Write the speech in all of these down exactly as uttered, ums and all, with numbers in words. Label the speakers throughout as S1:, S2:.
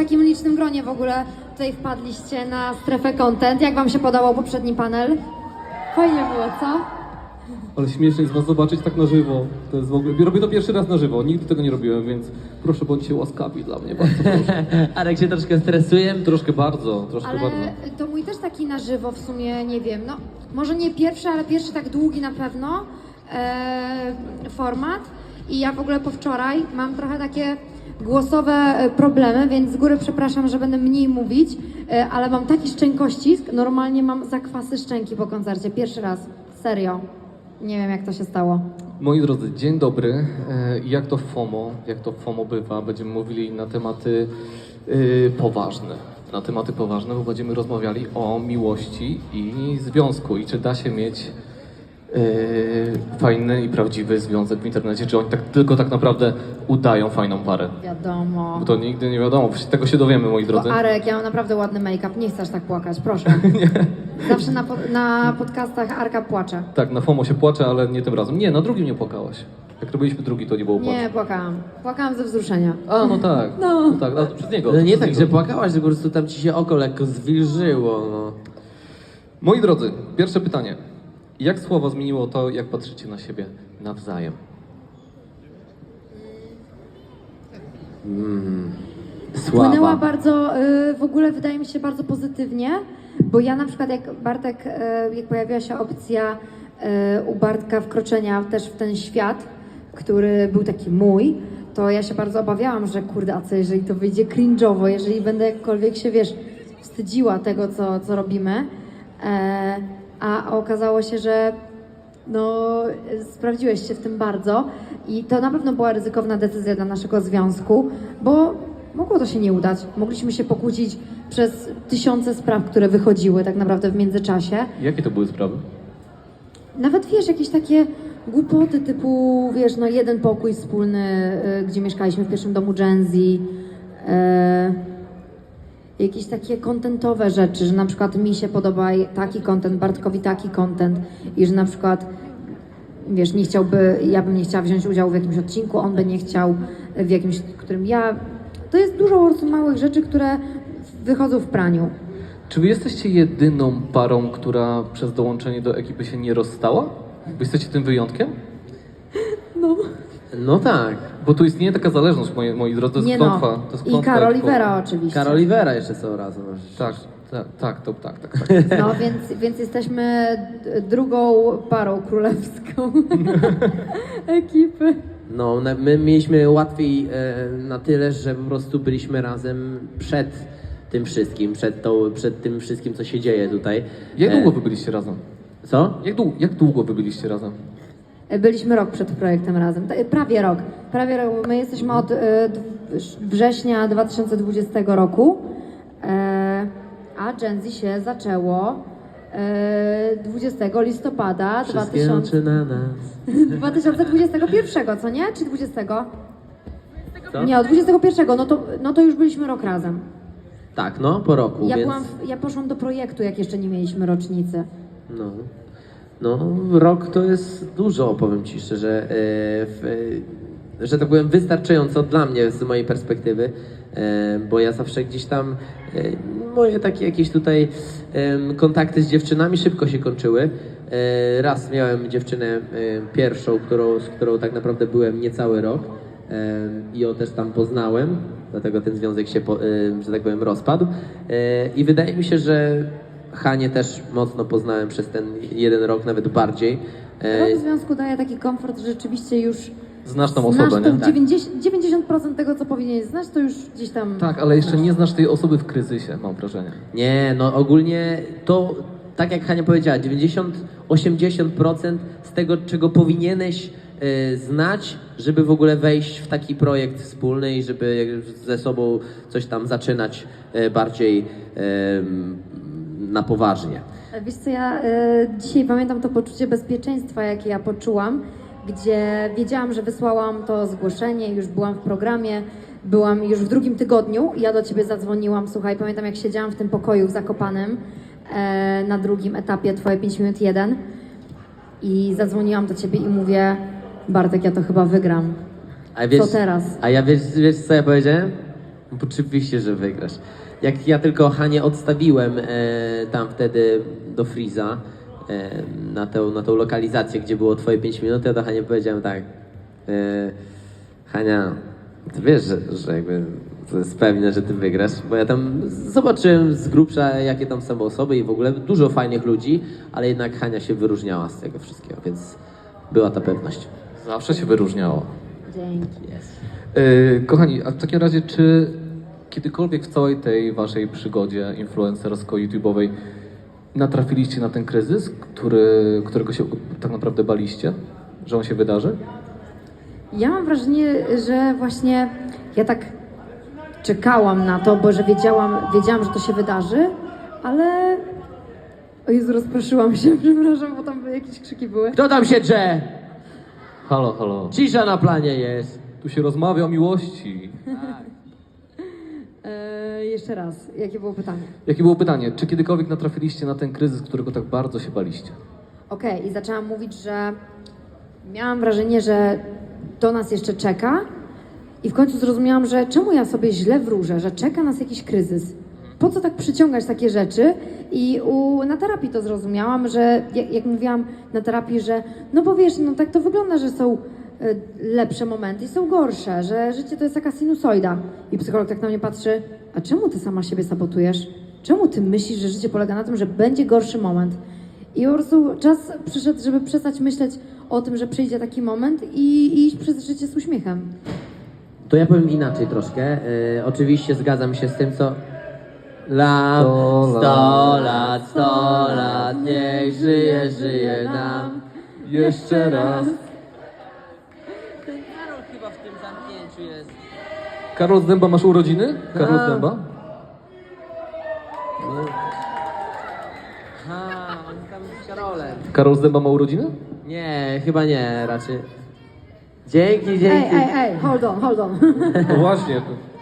S1: takim licznym gronie w ogóle tutaj wpadliście na strefę content. Jak wam się podobał poprzedni panel? Fajnie było, co?
S2: Ale śmiesznie jest was zobaczyć tak na żywo. To jest w ogóle... Robię to pierwszy raz na żywo, nigdy tego nie robiłem, więc proszę bądźcie łaskawi dla mnie, bardzo proszę.
S3: Arek się troszkę stresuje.
S2: Troszkę bardzo, troszkę
S1: Ale
S2: bardzo.
S1: to mój też taki na żywo w sumie, nie wiem, no może nie pierwszy, ale pierwszy tak długi na pewno e, format. I ja w ogóle po wczoraj mam trochę takie głosowe e, problemy, więc z góry przepraszam, że będę mniej mówić, e, ale mam taki szczękościsk, normalnie mam zakwasy szczęki po koncercie, pierwszy raz, serio. Nie wiem jak to się stało.
S2: Moi drodzy, dzień dobry. E, Jak to FOMO, jak to FOMO bywa, będziemy mówili na tematy y, poważne. Na tematy poważne, bo będziemy rozmawiali o miłości i związku i czy da się mieć y, fajny i prawdziwy związek w internecie, czy oni tak, tylko tak naprawdę udają fajną parę.
S1: Wiadomo.
S2: Bo to nigdy nie wiadomo, tego się dowiemy, moi drodzy.
S1: Bo Arek, ja mam naprawdę ładny make-up, nie chcesz tak płakać, proszę. Zawsze na, po, na podcastach Arka płacze.
S2: Tak, na FOMO się płacze, ale nie tym razem. Nie, na drugim nie płakałaś. Jak robiliśmy drugi, to nie było płaczu.
S1: Nie, płakałam. Płakałam ze wzruszenia.
S2: A, no tak.
S1: No.
S2: no tak, ale to przez niego.
S3: No nie
S2: przez
S3: tak,
S2: niego.
S3: że płakałaś, że po prostu tam ci się oko lekko zwilżyło, no.
S2: Moi drodzy, pierwsze pytanie. Jak słowo zmieniło to, jak patrzycie na siebie nawzajem?
S1: Wpłynęła
S3: Sława.
S1: bardzo, y, w ogóle wydaje mi się bardzo pozytywnie, bo ja na przykład jak Bartek, y, jak pojawiła się opcja y, u Bartka wkroczenia też w ten świat, który był taki mój, to ja się bardzo obawiałam, że kurde, a co jeżeli to wyjdzie cringe'owo, jeżeli będę jakkolwiek się, wiesz, wstydziła tego, co, co robimy, e, a okazało się, że no, sprawdziłeś się w tym bardzo i to na pewno była ryzykowna decyzja dla naszego związku, bo mogło to się nie udać. Mogliśmy się pokłócić przez tysiące spraw, które wychodziły tak naprawdę w międzyczasie.
S2: Jakie to były sprawy?
S1: Nawet wiesz, jakieś takie głupoty typu, wiesz, no jeden pokój wspólny, y, gdzie mieszkaliśmy w pierwszym domu Gen Z. Y, jakieś takie kontentowe rzeczy, że na przykład mi się podoba taki content, Bartkowi taki content i że na przykład, wiesz, nie chciałby, ja bym nie chciała wziąć udziału w jakimś odcinku, on by nie chciał w jakimś, którym ja... To jest dużo po prostu małych rzeczy, które wychodzą w praniu.
S2: Czy wy jesteście jedyną parą, która przez dołączenie do ekipy się nie rozstała? Wy jesteście tym wyjątkiem?
S1: No.
S3: No tak.
S2: Bo tu istnieje taka zależność, moi, moi drodzy, to jest
S1: Nie
S2: klątwa.
S1: no.
S2: To jest
S1: I
S2: klątwa
S1: Karol
S2: jak-
S1: Oliwera oczywiście.
S3: Karol Oliwera jeszcze są razem.
S2: Tak, tak, tak, to, tak, tak, tak.
S1: No więc, więc jesteśmy d- drugą parą królewską ekipy.
S3: No, na- my mieliśmy łatwiej e, na tyle, że po prostu byliśmy razem przed tym wszystkim, przed, tą, przed tym wszystkim, co się dzieje tutaj.
S2: Jak
S3: E,
S2: długo wy byliście razem?
S3: Co?
S2: Jak, dłu- jak długo wy byliście razem?
S1: Byliśmy rok przed projektem razem, Ta- prawie rok. Prawie rok. My jesteśmy od e, d- września dwa tysiące dwudziestego roku, e, a Gen Z się zaczęło e, dwudziestego listopada
S3: Wszystkie oczy na nas.
S1: dwa tysiące dwudziestego pierwszego, co nie? Czy dwudziestego?
S3: Co?
S1: Nie, od dwudziestego pierwszego, no to, no to już byliśmy rok razem.
S3: Tak, no, po roku,
S1: Ja,
S3: więc...
S1: byłam w, ja poszłam do projektu, jak jeszcze nie mieliśmy rocznicy.
S3: No, no, rok to jest dużo, powiem Ci szczerze, e, w, e, że tak powiem wystarczająco dla mnie z mojej perspektywy, e, bo ja zawsze gdzieś tam, e, moje takie jakieś tutaj e, kontakty z dziewczynami szybko się kończyły. E, raz miałem dziewczynę e, pierwszą, którą, z którą tak naprawdę byłem niecały rok e, i ją też tam poznałem, dlatego ten związek się, po, e, że tak powiem, rozpadł e, i wydaje mi się, że Hanię też mocno poznałem przez ten jeden rok, nawet bardziej. E,
S1: Rok w związku daje taki komfort, że rzeczywiście już
S2: Znasz tą
S1: znasz
S2: osobę,
S1: tą
S2: nie?
S1: dziewięćdziesiąt, dziewięćdziesiąt procent tego, co powinieneś znać, to już gdzieś tam...
S2: Tak, ale jeszcze nie znasz tej osoby w kryzysie, mam wrażenie.
S3: Nie, no ogólnie to, tak jak Hania powiedziała, dziewięćdziesiąt do osiemdziesięciu procent z tego, czego powinieneś e, znać, żeby w ogóle wejść w taki projekt wspólny i żeby jak- ze sobą coś tam zaczynać e, bardziej e, na poważnie.
S1: Wiesz co, ja e, dzisiaj pamiętam to poczucie bezpieczeństwa, jakie ja poczułam, gdzie wiedziałam, że wysłałam to zgłoszenie, już byłam w programie, byłam już w drugim tygodniu, ja do ciebie zadzwoniłam, słuchaj, pamiętam jak siedziałam w tym pokoju w Zakopanem e, na drugim etapie Twoje pięć minut jeden i zadzwoniłam do ciebie i mówię, Bartek, ja to chyba wygram.
S3: A wiesz,
S1: Co teraz?
S3: A ja wiesz, wiesz co ja powiedziałem? Oczywiście, że wygrasz. Jak ja tylko Hanię odstawiłem e, tam wtedy do Freeza e, na, tę, na tą lokalizację, gdzie było twoje pięć minut, ja do Hani powiedziałem tak. E, Hania, ty wiesz, że, że jakby to jest pewne, że ty wygrasz, bo ja tam zobaczyłem z grubsza, jakie tam są osoby i w ogóle dużo fajnych ludzi, ale jednak Hania się wyróżniała z tego wszystkiego, więc była ta pewność.
S2: Zawsze się wyróżniało.
S1: Dzięki.
S2: Yy, kochani, a w takim razie, czy kiedykolwiek w całej tej waszej przygodzie influencersko-youtube'owej natrafiliście na ten kryzys, który, którego się tak naprawdę baliście, że on się wydarzy?
S1: Ja mam wrażenie, że właśnie ja tak czekałam na to, bo że wiedziałam, wiedziałam, że to się wydarzy, ale... O Jezu, rozproszyłam się, przepraszam, bo tam jakieś krzyki były.
S3: Kto tam się drze?
S2: Halo, halo.
S3: Cisza na planie jest.
S2: Tu się rozmawia o miłości.
S1: E, jeszcze raz, jakie było pytanie?
S2: Jakie było pytanie? Czy kiedykolwiek natrafiliście na ten kryzys, którego tak bardzo się baliście?
S1: Okej, i zaczęłam mówić, że miałam wrażenie, że to nas jeszcze czeka i w końcu zrozumiałam, że czemu ja sobie źle wróżę, że czeka nas jakiś kryzys. Po co tak przyciągać takie rzeczy? I u, na terapii to zrozumiałam, że jak, jak mówiłam na terapii, że no bo wiesz, no tak to wygląda, że są y, lepsze momenty i są gorsze, że życie to jest taka sinusoida. I psycholog tak na mnie patrzy, a czemu ty sama siebie sabotujesz? Czemu ty myślisz, że życie polega na tym, że będzie gorszy moment? I po prostu czas przyszedł, żeby przestać myśleć o tym, że przyjdzie taki moment i, i iść przez życie z uśmiechem.
S3: To ja powiem inaczej troszkę. Yy, oczywiście zgadzam się z tym, co... Lam,
S2: Sto
S3: sto lat, sto lat, niech żyje, żyje nam.
S2: Jeszcze raz.
S3: Ten Karol chyba w tym zamknięciu jest.
S2: Karol z Dęba, masz urodziny? Karol z
S3: A.
S2: Dęba?
S3: Ha, on tam z Karolem.
S2: Karol z Dęba ma urodziny?
S3: Nie, chyba nie, raczej. Dzięki,
S1: Ej,
S3: dzięki.
S1: ej, ej, hold on, hold on.
S2: No właśnie.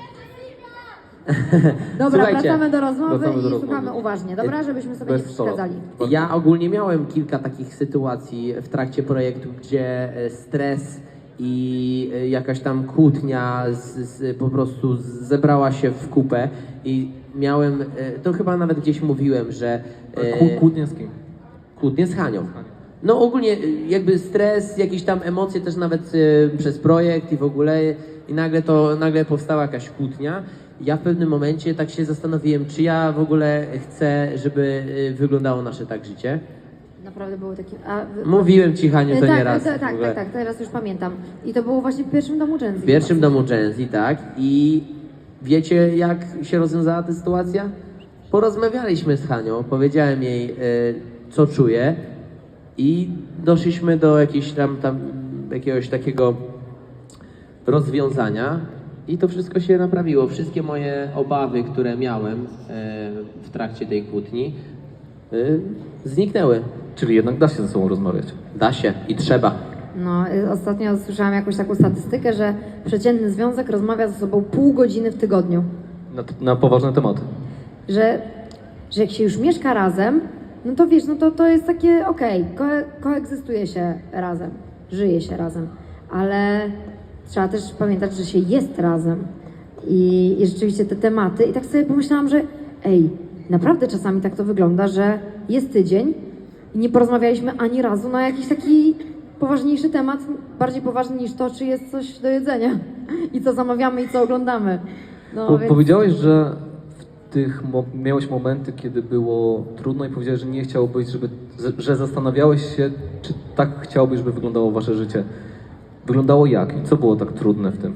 S1: Dobra,
S3: Słuchajcie,
S1: wracamy do rozmowy
S2: wracamy do
S1: i
S2: rozmowy.
S1: słuchamy uważnie, dobra? Żebyśmy sobie
S2: Bez
S1: nie
S2: solo.
S1: przeszkadzali.
S3: Ja ogólnie miałem kilka takich sytuacji w trakcie projektu, gdzie e, stres i e, jakaś tam kłótnia z, z, po prostu zebrała się w kupę i miałem, e, to chyba nawet gdzieś mówiłem, że e,
S2: Kłó- Kłótnie z kim?
S3: kłótnie z Hanią. No ogólnie e, jakby stres, jakieś tam emocje też nawet e, przez projekt i w ogóle i nagle to, nagle powstała jakaś kłótnia. Ja w pewnym momencie tak się zastanowiłem, czy ja w ogóle chcę, żeby e, wyglądało nasze tak życie.
S1: Naprawdę były takie... A, wy-
S3: Mówiłem ci, Haniu, to
S1: tak,
S3: nie raz.
S1: Tak,
S3: w
S1: tak,
S3: ogóle.
S1: tak, tak, teraz już pamiętam. I to było właśnie w pierwszym domu Gen Z.
S3: W pierwszym domu Gen Z, tak. I wiecie, jak się rozwiązała ta sytuacja? Porozmawialiśmy z Hanią, powiedziałem jej, e, co czuję i doszliśmy do jakiejś tam, tam jakiegoś takiego rozwiązania i to wszystko się naprawiło. Wszystkie moje obawy, które miałem e, w trakcie tej kłótni, e, zniknęły.
S2: Czyli jednak da się ze sobą rozmawiać.
S3: Da się i trzeba.
S1: No, y, ostatnio słyszałam jakąś taką statystykę, że przeciętny związek rozmawia ze sobą pół godziny w tygodniu.
S2: Na, na poważne tematy.
S1: Że, że jak się już mieszka razem, no to wiesz, no to, to jest takie okej, ko koegzystuje się razem, żyje się razem, ale trzeba też pamiętać, że się jest razem i, i rzeczywiście te tematy i tak sobie pomyślałam, że ej, naprawdę czasami tak to wygląda, że jest tydzień i nie porozmawialiśmy ani razu na jakiś taki poważniejszy temat, bardziej poważny niż to, czy jest coś do jedzenia i co zamawiamy i co oglądamy. No,
S2: Po,
S1: więc...
S2: Powiedziałeś, że w tych mo- miałeś momenty, kiedy było trudno i powiedziałeś, że nie chciałbyś, żeby, z- że zastanawiałeś się, czy tak chciałbyś, żeby wyglądało wasze życie. Wyglądało jak i co było tak trudne w tym?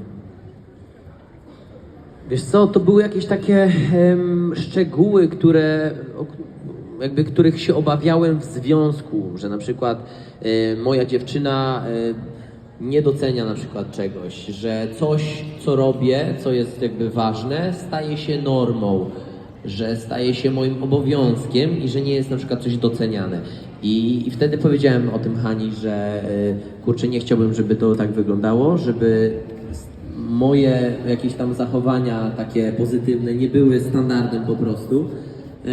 S3: Wiesz co, to były jakieś takie em, szczegóły, które, o, jakby których się obawiałem w związku, że na przykład e, moja dziewczyna e, nie docenia na przykład czegoś, że coś, co robię, co jest jakby ważne, staje się normą, że staje się moim obowiązkiem i że nie jest na przykład coś doceniane. I, i wtedy powiedziałem o tym Hani, że e, kurczę, nie chciałbym, żeby to tak wyglądało, żeby moje jakieś tam zachowania takie pozytywne nie były standardem po prostu. Yy,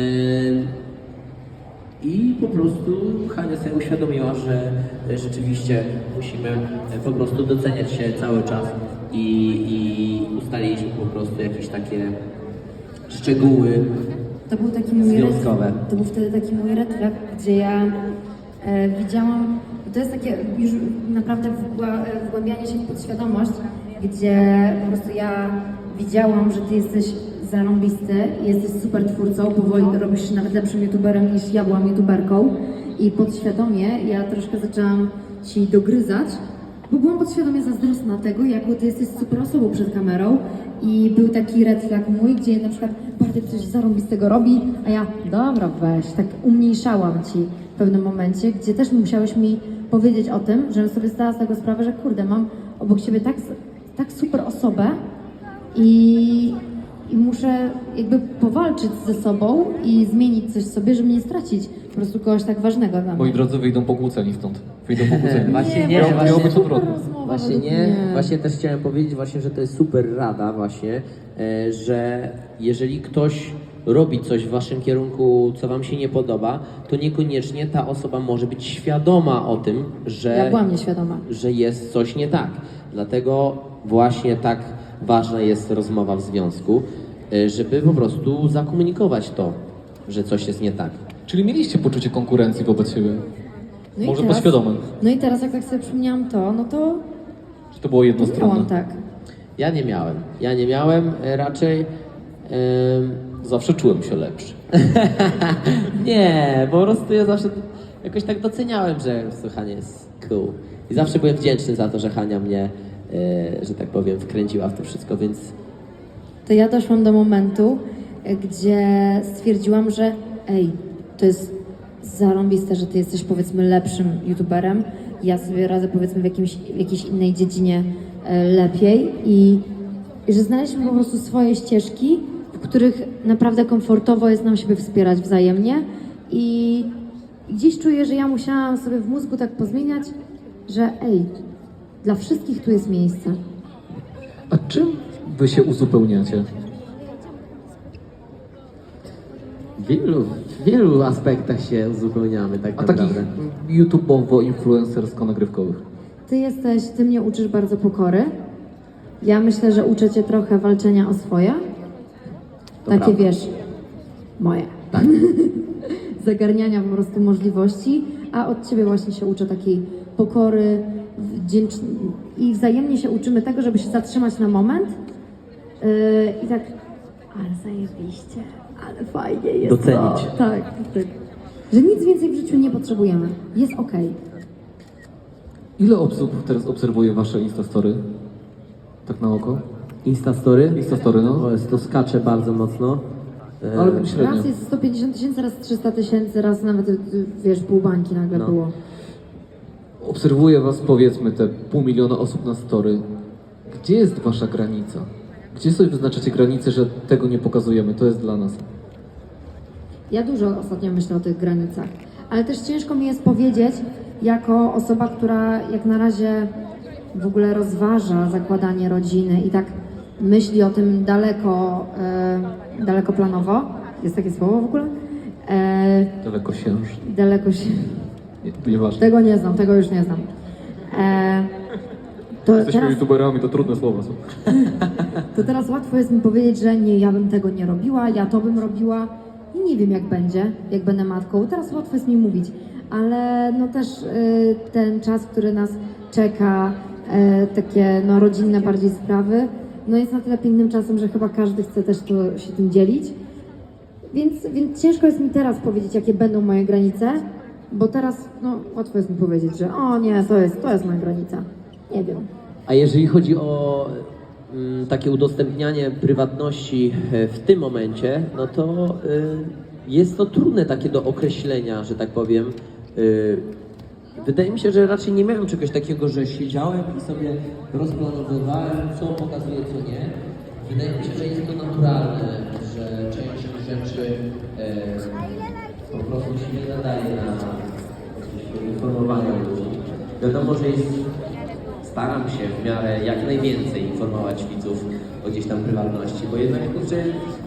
S3: I po prostu Hania sobie uświadomiła, że rzeczywiście musimy po prostu doceniać się cały czas. i, i ustaliliśmy po prostu jakieś takie szczegóły.
S1: To był taki mój red,
S3: Związkowe.
S1: to był wtedy taki mój red flag, gdzie ja e, widziałam, to jest takie już naprawdę wgła- wgłębianie się w podświadomość, gdzie po prostu ja widziałam, że ty jesteś zarąbisty, jesteś super twórcą, powoli robisz się nawet lepszym youtuberem niż ja byłam youtuberką i podświadomie ja troszkę zaczęłam ci dogryzać, bo byłam podświadomie zazdrosna tego, jaką ty jesteś super osobą przed kamerą i był taki red flag mój, gdzie na przykład Bartek coś zarąbistego robi, a ja, dobra weź, tak umniejszałam ci w pewnym momencie, gdzie też musiałeś mi powiedzieć o tym, żebym sobie zdała z tego sprawę, że kurde, mam obok siebie tak, tak super osobę i, i muszę jakby powalczyć ze sobą i zmienić coś w sobie, żeby nie stracić po prostu kogoś tak ważnego dla mnie.
S2: Moi drodzy, wyjdą pokłóceni stąd. Wyjdą pokłóceni.
S3: Właśnie nie,
S2: Miało-
S3: właśnie-
S2: miało być
S1: super
S2: odwrotnie.
S1: rozmowa
S3: Właśnie
S1: według
S3: nie,
S1: mnie.
S3: właśnie też chciałem powiedzieć właśnie, że to jest super rada właśnie, e, że jeżeli ktoś robi coś w waszym kierunku, co wam się nie podoba, to niekoniecznie ta osoba może być świadoma o tym, że,
S1: Ja byłam nieświadoma.
S3: że jest coś nie tak. Dlatego właśnie tak ważna jest rozmowa w związku, e, żeby po prostu zakomunikować to, że coś jest nie tak.
S2: Czyli mieliście poczucie konkurencji wobec siebie.
S1: No i
S2: Może
S1: teraz-
S2: podświadome.
S1: No i teraz jak tak sobie przypomniałam to, no to
S2: Czy to było
S1: to
S2: jednostronne?
S1: miałam tak.
S3: Ja nie miałem. Ja nie miałem e, raczej. em,
S2: Zawsze czułem się lepszy.
S3: nie, po prostu ja zawsze jakoś tak doceniałem, że Hania jest cool. I zawsze byłem wdzięczny za to, że Hania mnie, e, że tak powiem, wkręciła w to wszystko, więc
S1: To ja doszłam do momentu, e, gdzie stwierdziłam, że ej, to jest zarąbiste, że ty jesteś powiedzmy lepszym youtuberem. Ja sobie radzę powiedzmy w, jakimś, w jakiejś innej dziedzinie e, lepiej i, i że znaleźliśmy po prostu swoje ścieżki, w których naprawdę komfortowo jest nam siebie wspierać wzajemnie i, i gdzieś czuję, że ja musiałam sobie w mózgu tak pozmieniać, że ej, dla wszystkich tu jest miejsce.
S2: A czym wy się uzupełniacie?
S4: W wielu, w wielu aspektach się uzupełniamy tak
S2: A takich
S4: naprawdę.
S2: YouTubeowo-influencersko-nagrywkowych?
S1: Ty jesteś, ty mnie uczysz bardzo pokory. Ja myślę, że uczę cię trochę walczenia o swoje.
S4: To
S1: Takie
S4: prawda.
S1: wiesz, moje.
S4: Tak.
S1: Zagarniania po prostu możliwości, a od ciebie właśnie się uczę takiej pokory wdzięcz... i wzajemnie się uczymy tego, żeby się zatrzymać na moment yy, i tak, ale zajebiście, ale fajnie jest
S3: Docenić.
S1: to. Tak, tak. Że nic więcej w życiu nie potrzebujemy. Jest okej.
S2: Ile osób teraz obserwuje wasze Instastory? Tak na oko?
S4: Instastory?
S2: Instastory, no.
S4: O, jest, to skacze bardzo mocno. E,
S2: Ale średnio.
S1: Raz jest sto pięćdziesiąt tysięcy, raz trzysta tysięcy, raz nawet, y, wiesz, pół bańki nagle
S4: No.
S1: było.
S2: Obserwuje was powiedzmy te pół miliona osób na story. Gdzie jest wasza granica? Gdzie sobie wyznaczacie granicę, że tego nie pokazujemy, to jest dla nas?
S1: Ja dużo ostatnio myślę o tych granicach, ale też ciężko mi jest powiedzieć, jako osoba, która jak na razie w ogóle rozważa zakładanie rodziny i tak myśli o tym daleko, e, dalekoplanowo. Jest takie słowo w ogóle? E,
S2: Daleko księż.
S1: daleko się...
S2: Nie, nieważne.
S1: Tego nie znam, tego już nie znam. E, to
S2: Jesteśmy
S1: teraz...
S2: youtuberami, to trudne słowa są.
S1: To teraz łatwo jest mi powiedzieć, że nie, ja bym tego nie robiła, ja to bym robiła i nie wiem jak będzie, jak będę matką. Teraz łatwo jest mi mówić, ale no też y, ten czas, który nas czeka, y, takie no rodzinne bardziej sprawy, no jest na tyle pięknym czasem, że chyba każdy chce też to, się tym dzielić. Więc, więc ciężko jest mi teraz powiedzieć, jakie będą moje granice, bo teraz no łatwo jest mi powiedzieć, że o nie, to jest, to jest moja granica. Nie wiem.
S3: A jeżeli chodzi o mm, takie udostępnianie prywatności e, w tym momencie, no to y, jest to trudne takie do określenia, że tak powiem. Y, wydaje mi się, że raczej nie miałem czegoś takiego, że siedziałem i sobie rozplanowywałem, co pokazuję, co nie. Wydaje mi się, że jest to naturalne, że część rzeczy e, po prostu się nie nadaje na jakieś informowanie ludzi. Wiadomo, że jest staram się w miarę jak najwięcej informować widzów o gdzieś tam prywatności, bo jednak kurczę,